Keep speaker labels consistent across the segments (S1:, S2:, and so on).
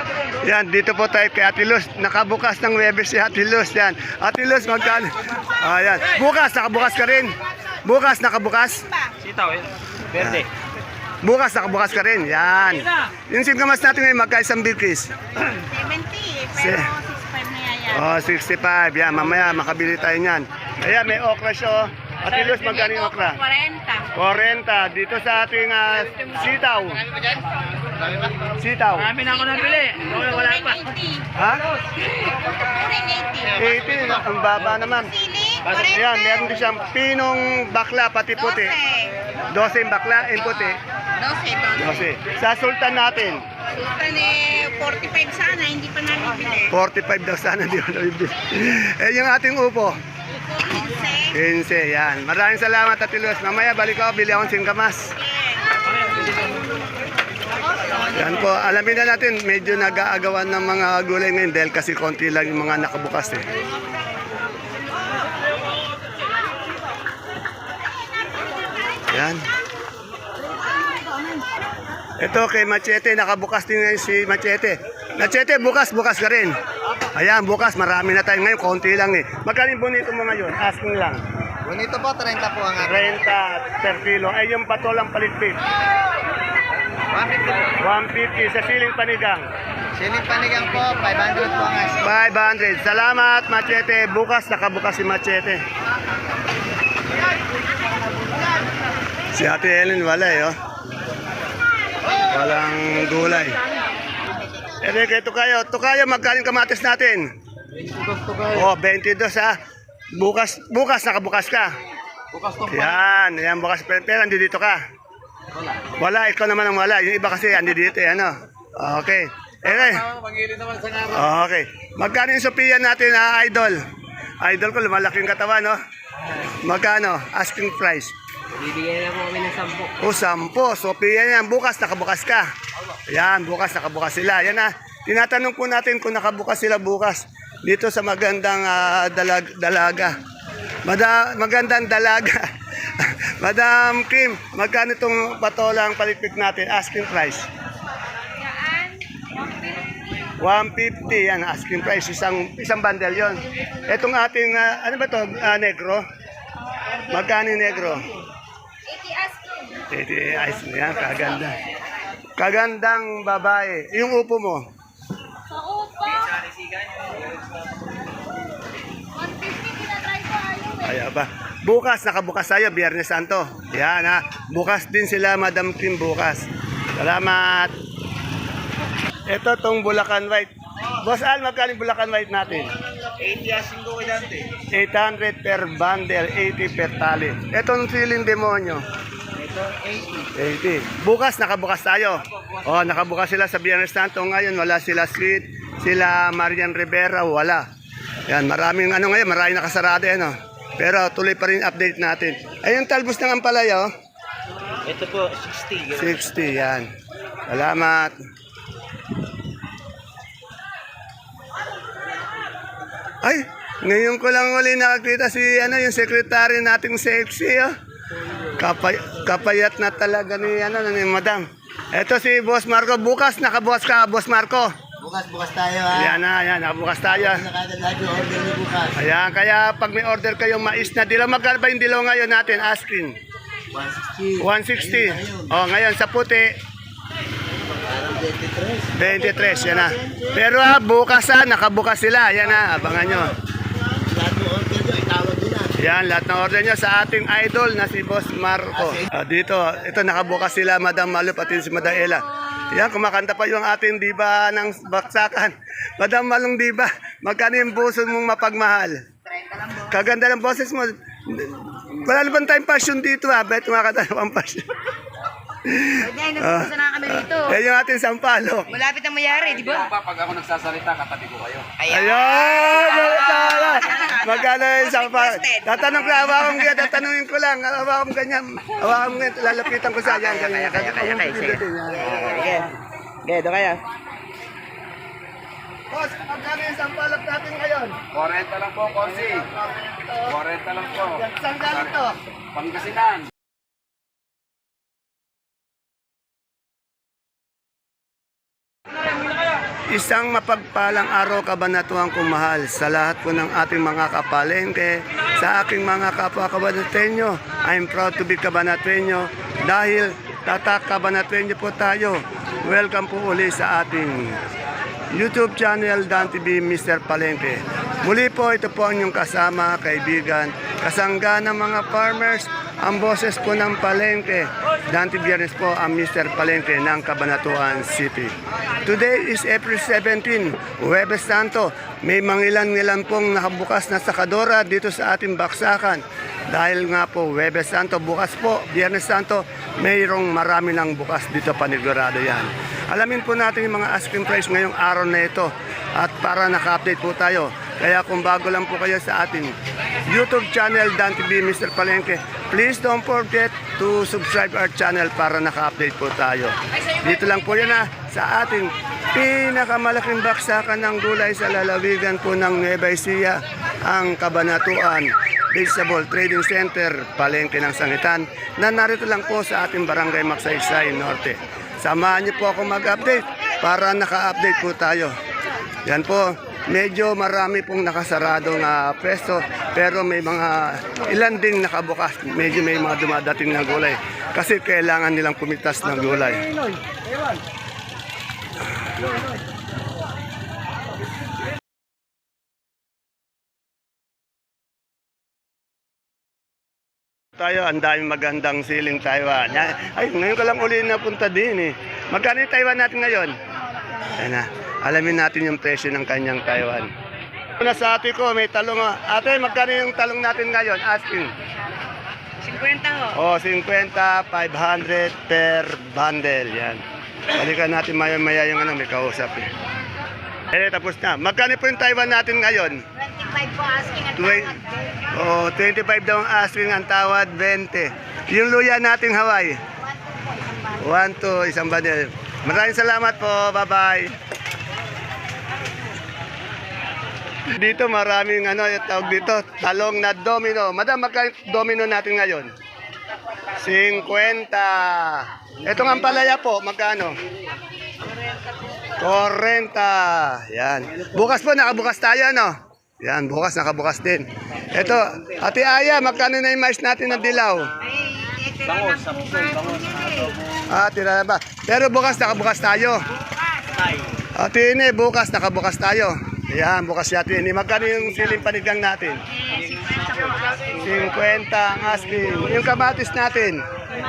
S1: Yan, dito po tayo kay Ate Luz. Nakabukas ng Webes si Ate Luz. Yan. Ate Luz, magkano? Ayan. Bukas, nakabukas ka rin. Bukas, nakabukas.
S2: Sitaw eh. Verde.
S1: Bukas, nakabukas ka rin. Yan. Yung singkamas natin ngayon, magka isang bilkis.
S3: 70, pero 65 na yan.
S1: Oh, 65. Yan, mamaya makabili tayo niyan. Ayan, may okra siya. Ate Luz, magkano yung okra?
S3: 40.
S1: 40. Dito sa ating sitaw. Sitaw.
S2: Marami na ako nabili. Wala pa.
S1: Ha?
S3: 80.
S1: 80. Ang baba naman.
S3: Sili,
S1: Ayan, meron din siyang pinong bakla, pati puti. 12 yung bakla, yung puti.
S3: 12.
S1: 12. Sa sultan natin,
S3: Sultan 45 sana, hindi pa nabibili.
S1: 45 daw sana, di ko nabibili. Eh, yung ating upo,
S3: 15.
S1: 15. Yan. Maraming salamat, Ate Luz. Mamaya balik ako, bili akong singkamas. Yan po, alamin na natin, medyo nag-aagawan ng mga gulay ngayon dahil kasi konti lang yung mga nakabukas eh. Yan. Ito kay Machete, nakabukas din ngayon si Machete. Machete, bukas ka rin. Ayan, bukas, marami na tayo ngayon, konti lang eh. Magkano yung bonito mo ngayon? Asking lang.
S4: Bonito po, 30 po ang akin.
S1: 30 per kilo. Ay, yung patolang palitpit.
S4: 150.
S1: 150 sa siling panigang.
S4: Siling panigang po, 500 po ang asin.
S1: 500. Salamat, Machete. Bukas, nakabukas si Machete. Si Ate Helen, wala eh, oh. Walang gulay. Eh, kay Tukayo. Tukayo, magkaling kamatis natin? Oh, 22 ha. Bukas, nakabukas ka.
S4: Bukas to po.
S1: Yan bukas. Pero andi dito ka. Wala, ikaw naman ang wala. Yung iba kasi andi dito eh, ano. Okay.
S4: Pag-iili naman sa araw.
S1: Okay. Magkano yung Sophia natin, Idol? Idol ko, lumalaki yung katawan, no? Magkano? Asking price.
S4: Bibigyan na po kami ng 10.
S1: O, 10. Sophia yan. Bukas, nakabukas ka. Yan, bukas, nakabukas sila. Yan na. Tinatanong po natin kung nakabukas sila bukas dito sa magandang dalaga. Magandang dalaga. Madam Kim, magkano itong patolang palitpik natin? Asking price. 150 yan, asking price. Isang bundle yon. Itong ating, ano ba to negro? Magkano yung negro? 80 ice mo yan, kaganda. Kagandang babae. Yung upo mo?
S3: Sa upa. 150 tinatry ko ayaw eh.
S1: Ay, ba. Bukas, nakabukas tayo, Biyernes Santo. Yan ha. Bukas din sila, Madam Kim, bukas. Salamat. Ito tong Bulacan White. Boss Al, magkano yung Bulacan White natin?
S4: 80 asing ko kailanti.
S1: 800 per bundle, 80 per tali. Itong siling demonyo.
S4: Ito, 80.
S1: 80. Bukas, nakabukas tayo. Oh, nakabukas sila sa Biyernes Santo. Ngayon, wala sila Sweet, sila Marian Rivera, wala. Yan, maraming ano ngayon, maraming nakasarado yan, oh. Pero tuloy pa rin update natin. Ay, yung talbos ng ampalaya, oh.
S4: Ito po, 60.
S1: 60, yan. Salamat. Ay, ngayon ko lang uli nakakita si yung secretary nating sexy, oh. Kapayat na talaga ni Madam. Ito si Boss Marco. Bukas, nakabukas ka, Boss Marco.
S4: Bukas tayo ha.
S1: Yan na, yan. Nakabukas tayo.
S4: Nakagad lahat yung order niyo bukas.
S1: Ayan, kaya pag may order kayong mais na dilaw, magkano ba yung dilaw ngayon natin? Asking. 160.
S4: 160.
S1: Oh, ngayon sa puti,
S4: Parang
S1: 23.
S4: 23.
S1: Yan na. Pero bukas nakabukas sila. Yan na, abangan nyo.
S4: Lahat ng order niyo, itawag nyo na.
S1: Yan, lahat ng order nyo sa ating idol na si Boss Marco. Dito, ito nakabukas sila, Madam Malu, pati si Madam Ella. Yan, kumakanta pa yung ating diba ng baksakan. Madam Malong diba, magkano yung buso mong mapagmahal? Kaganda ng boses mo. Wala naman tayong passion dito ha, bet kumakanta ng passion.
S3: Ay, nagpupunta na kami dito.
S1: Yan yung ating sampalok.
S3: Malapit ang mayari, di ba?
S2: Pag ako nagsasalita, katabi ko kayo.
S1: Ayun! Magkano yung sampalok? Tatanong ko, hawakan ko, tatanungin ko lang. Hawakan ganyan. Hawakan mo ganyan, lalapitan ko sa yan. Kaya.
S4: Okay, doon kaya.
S1: Boss, magkano yung sampalok natin ngayon?
S2: 40 lang po, Konsi. 40 lang po.
S1: Saan galing to?
S2: Pangasinan.
S1: Isang mapagpalang araw kabanatuang kumahal sa lahat po ng ating mga kapalengke, sa aking mga kapwa kabanatenyo. I'm proud to be kabanatenyo dahil tatak kabanatenyo po tayo. Welcome po uli sa ating YouTube channel Dan TV Mr. Palengke. Muli po ito po ang inyong kasama, kaibigan, kasangga ng mga farmers, ang boses po ng Palengke. Dan TV Biernes po ang Mr. Palengke ng Cabanatuan City. Today is April 17, Huwebes Santo. May mangilan-ngilan pong nakabukas na sakadora dito sa ating baksakan. Dahil nga po Huwebes Santo, bukas po, Biyernes Santo, mayroong marami ng bukas dito, panigurado yan. Alamin po natin yung mga asking price ngayong araw na ito at para naka-update po tayo. Kaya kung bago lang po kayo sa ating YouTube channel Dan TV Mr. Palengke, please don't forget to subscribe our channel para naka-update po tayo. Dito lang po yan sa ating pinakamalaking baksakan ng gulay sa lalawigan po ng Nueva Ecija, ang Cabanatuan Vegetable Trading Center, Palengke ng Sangitan, na narito lang po sa ating Barangay Magsaysay Norte. Samahan niyo po ako mag-update para naka-update po tayo. Yan po, medyo marami pong nakasaradong pwesto pero may mga ilan ding nakabukas. Medyo may mga dumadating na gulay kasi kailangan nilang kumitas ng gulay. Tayo, ang daming magandang siling Taiwan. Ay, ngayon ka lang uli napunta din eh. Magkano yung Taiwan natin ngayon? Ayan na, alamin natin yung presyo ng kanyang Taiwan. Una sa ate ko, may talong. Ate, magkano yung talong natin ngayon? Asking.
S3: 50 ho.
S1: Oh, 50, 500 per bundle. Yan. Balikan natin maya-maya yung may kausap eh. Tapos na. Magkano po yung Taiwan natin ngayon?
S3: 25 po asking at
S1: Oh, 25 daw ang asking, ang tawad 20. Yung luya nating Hawaii. 1 to isang bundle. Maraming salamat po. Bye-bye. Dito maraming yung tawag dito, talong na domino. Madam, magkano domino natin ngayon? 50. Ito nga palaya po, magkano? 40. Yan. Bukas po, nakabukas tayo, no? Yan, bukas, nakabukas din. Ito, Ate Aya, magkano na yung mais natin na dilaw?
S3: Bangos.
S1: Tira na ba? Pero bukas, nakabukas tayo. Ate Ine, bukas, nakabukas tayo. Yan, bukas si Ate Ine. Magkano yung siling panigang natin? 50 ang asking. Yung kamatis natin?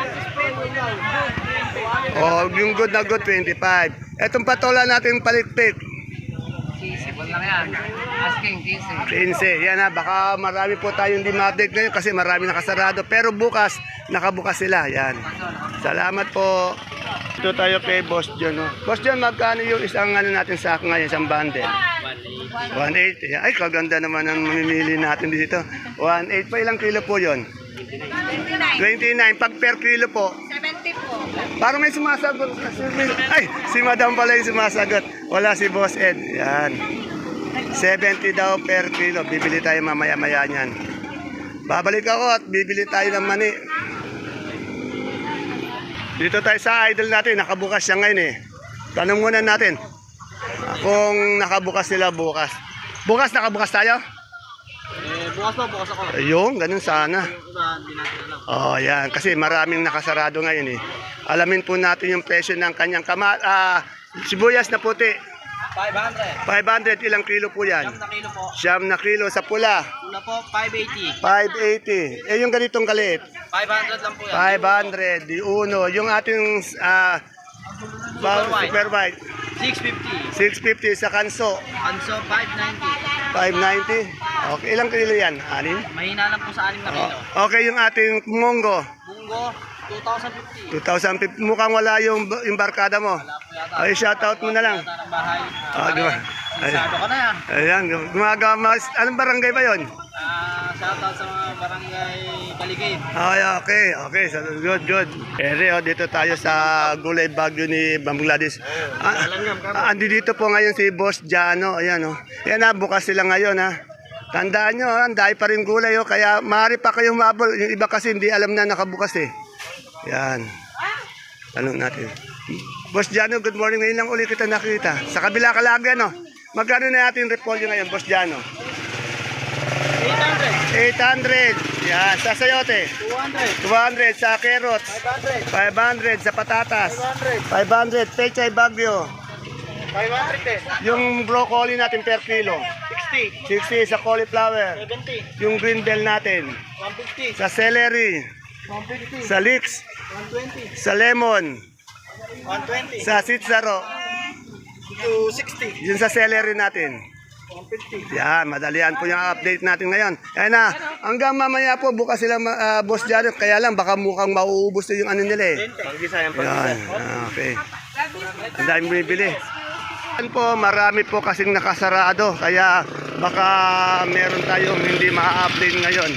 S1: Oh, yung good na good, 25. Etong patola natin palikpik.
S2: 15 lang yan. Asking 15.
S1: 15. Yan baka marami po tayong di ma-update ngayon kasi marami nakasarado. Pero bukas, nakabukas sila. Yan. Salamat po. Ito tayo kay Boss John. Boss John, magkano yung isang natin sa ngayon, isang bundle? 180. Ay, kaganda naman ang mamimili natin dito. 180 pa, ilang kilo po yon? 29. Pag per kilo po?
S3: 70 po.
S1: Parang may sumasagot. Ay, si Madam pala yung sumasagot. Wala si Boss Ed. Yan. 70 daw per kilo. Bibili tayo mamaya-maya niyan. Babalik ako at bibili tayo ng mani. Dito tayo sa idol natin. Nakabukas siya ngayon eh. Tanong muna natin kung nakabukas sila bukas. Bukas nakabukas tayo?
S4: Bukas ako.
S1: Ayun, ganun sana. Oh, yan. Kasi maraming nakasarado ngayon eh. Alamin po natin yung presyo ng kanyang sibuyas na puti.
S2: 500.
S1: 500, ilang kilo po yan?
S2: Na kilo po.
S1: 9 na kilo. Sa pula?
S2: Pula po, 580.
S1: 580. Yung ganitong kaliit?
S2: 500 lang po yan.
S1: 500. Di uno. Yung ating super white?
S2: 650.
S1: 650 sa kanso.
S2: Anso, 590.
S1: 590. Okay, ilang kilo yan? 6?
S2: Mahina lang po sa 6 na kilo.
S1: Okay, yung ating munggo.
S2: Munggo, 2,050.
S1: 2,050. Mukhang wala yung barkada mo. Ay, shoutout mo na lang.
S2: Yata ng bahay.
S1: Ayan.
S2: Sado ka na yan.
S1: Ayan, gumagawa. Anong barangay ba yon?
S2: Shoutout sa mga barangay Baligay.
S1: Ay, okay. So, good. Ere, dito tayo sa Gulay Bagyo ni Ma'am Gladys. Andi dito po ngayon si Boss Jano. Ayan, Yan bukas sila ngayon, Tandaan nyo, ang dahil pa rin gulay, kaya maaari pa kayong mabol. Yung iba kasi hindi alam na nakabukas eh. Yan. Tanong natin. Boss Jano, good morning. Ngayon lang ulit kita nakita. Sa kabila ka lagi, ano? Magkano na natin repolyo ngayon, Boss Jano? 800. Yan. Sa sayote? 200. Sa carrots? 500. Sa patatas? 500. Pechay Bagyo?
S4: 500
S1: Yung broccoli natin per kilo? 60 sa cauliflower.
S4: 70,
S1: Yung green bell natin.
S4: 150,
S1: Sa celery.
S4: 150,
S1: Sa leeks.
S4: 120,
S1: Sa lemon.
S4: 120,
S1: Sa sitsaro.
S4: 260,
S1: Yun sa celery natin.
S4: 150.
S1: Yan, madalian po yung update natin ngayon. Ayan na, hanggang mamaya po bukas sila boss dyan. Kaya lang baka mukhang mauubos na yung ano nila eh.
S4: Pag-isa yan,
S1: Yan, okay. Ang daming bumibili. Yan po, marami po kasing nakasarado. Kaya baka meron tayong hindi ma-update ngayon.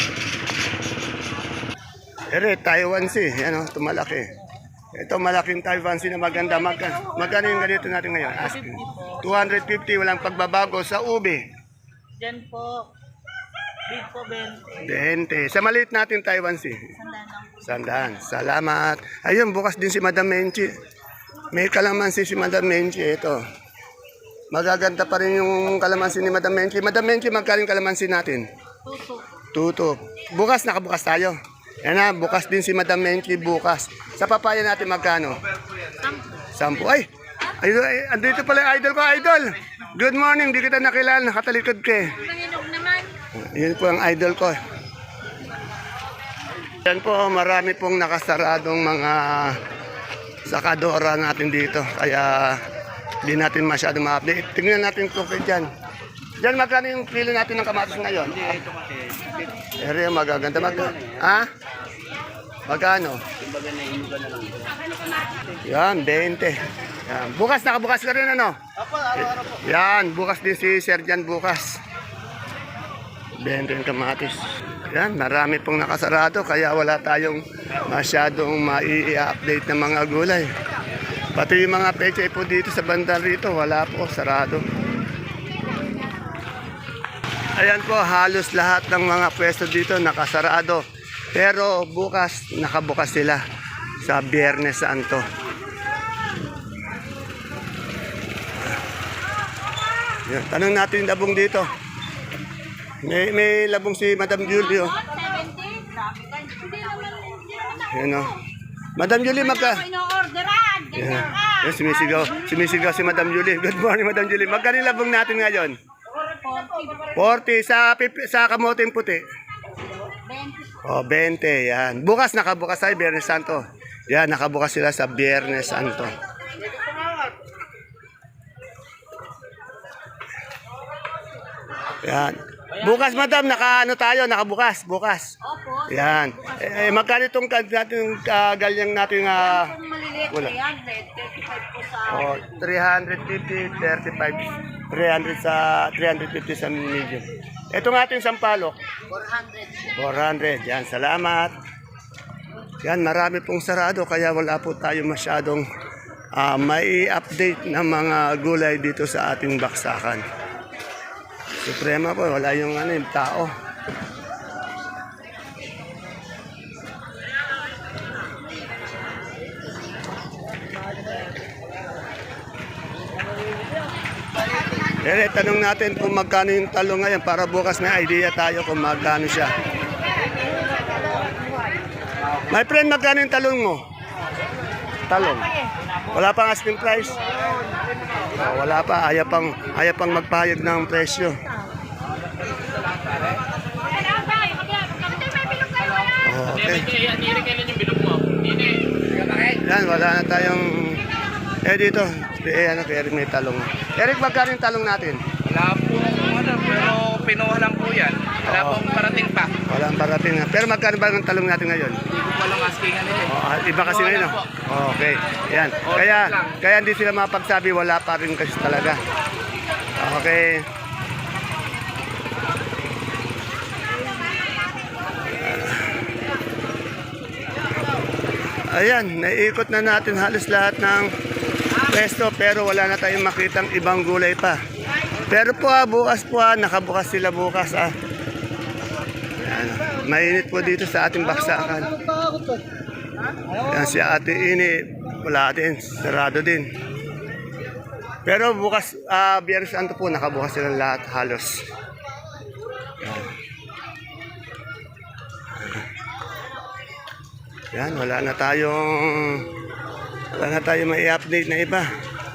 S1: Ere, Taiwan Sea. Yan o, tumalaki. Ito malaking Taiwan Sea na maganda. Magkano yung ganito natin ngayon? Asking. 250, walang pagbabago sa ube.
S3: Diyan po. Big po,
S1: 20.
S3: 20.
S1: Sa maliit natin Taiwan Sea. Sandaan. Salamat. Ayun, bukas din si Madam Menchi. May kalamansi si Madam Menchi. Ito. Magaganda pa rin yung kalamansi ni Madam Menchi. Madam Menchi, magkano yung kalamansi natin? Tuto. Bukas, nakabukas tayo. Yan na, bukas din si Madam Menchi bukas. Sa papaya natin magkano? 10. Ay, andito pala yung idol ko, idol. Good morning, di kita nakilala, nakatalikod ka eh.
S3: Nanginog naman.
S1: Yun po ang idol ko. Yan po, marami pong nakasaradong mga sakadora natin dito. Kaya di natin masyado ma-update. Tingnan natin kung dyan. Dyan, magkano yung kilo natin ng kamatis ngayon? Ere, magaganda. Ha? Magkano? Yan, 20. Yan. Bukas, nakabukas ka rin ano? Yan, bukas din si Sergeant bukas. 20 yung kamatis. Yan, marami pong nakasarado kaya wala tayong masyadong mai-update ng mga gulay. Pati yung mga pechay po dito sa banda rito, wala po, sarado. Ayan po, halos lahat ng mga pwesto dito nakasarado. Pero bukas, nakabukas sila sa Biyernes Santo. Yan, tanong natin yung labong dito. May labong si Madam Julio.
S3: 70?
S1: Yan o. Madam Julie,
S3: Ino-orderan. Ganyan ka.
S1: Yan, sumisigaw si Madam Julie. Good morning, Madam Julie. Magkano yung labong natin ngayon? 40 sa kamoting puti.
S3: 20.
S1: Oh, 20. Yan. Bukas nakabukas tayo, Biyernes Santo. Yan, nakabukas sila sa Biyernes Santo. Yan. Bukas, madam, nakaano tayo, nakabukas, bukas.
S3: Opo.
S1: Yan. Magkano itong galyang natin
S3: Kung maliliit,
S1: wala.
S3: 300. 35 po sa...
S1: Oh, 350, 35, 300 sa 350 sa medium. Ito nga ating sampalok.
S3: 400.
S1: 400. Yan, salamat. Yan, marami pong sarado kaya wala po tayo masyadong may update ng mga gulay dito sa ating baksakan. Suprema po, wala yung tao. Tanong natin kung magkano yung talong ngayon para bukas may idea tayo kung magkano siya. My friend, magkano yung talong mo? Talong. Wala pang asking price? Wala pa, ayaw pang magpahayag ng presyo. Okay. Yan, wala na tayong... dito, Eric may talong. Eric, magkano yung talong natin?
S2: Wala po pero pinuha lang po yan. Wala pong parating pa.
S1: Walang parating na. Pero magkano ba ang talong natin ngayon?
S2: Hindi ko palang askingan nila eh.
S1: Iba kasi ngayon. Okay. Yan. Kaya hindi sila mapagsabi, wala pa rin kasi talaga. Okay. Ayan, naiikot na natin halos lahat ng pwesto pero wala na tayong makitang ibang gulay pa. Pero po bukas po nakabukas sila bukas Ayan, mainit po dito sa ating baksakan. Ayan si Ate Ini wala din, sarado din. Pero bukas, Biyernes Santo po, nakabukas silang lahat halos. Yan, wala na tayong may update na iba.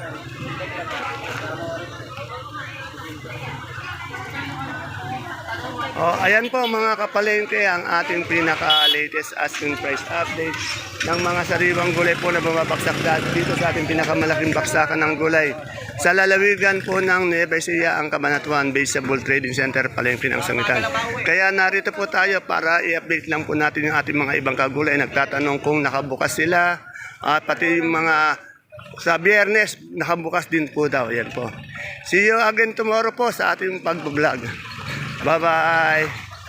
S1: Oh, ayan po mga kapalengke ang ating pinaka-latest asking price update ng mga sariwang gulay po na bumabagsak dito sa ating pinakamalaking baksakan ng gulay. Sa lalawigan po ng Nueva Ecija, ang Cabanatuan Vegetable Trading Center, Palengke ng Sangitan. Kaya narito po tayo para i-update lang po natin yung ating mga ibang kagulay. Nagtatanong kung nakabukas sila, pati yung mga sa Biyernes, nakabukas din po daw. Yan po. See you again tomorrow po sa ating pag-vlog. Bye-bye!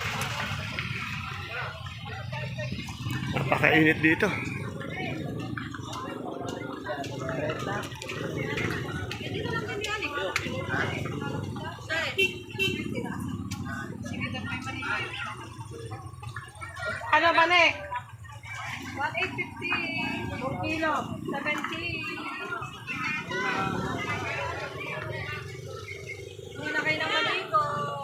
S1: Napakainit dito.
S3: Ano ba, ne? 1,850. 4 kilo. 70. Muna kayo naman dito.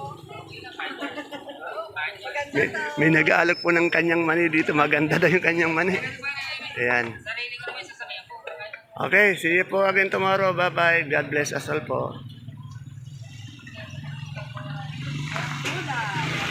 S1: May nag-aalok po ng kanyang mani dito. Maganda daw yung kanyang mani. Ayan. Okay, see you po again tomorrow. Bye-bye. God bless us all po.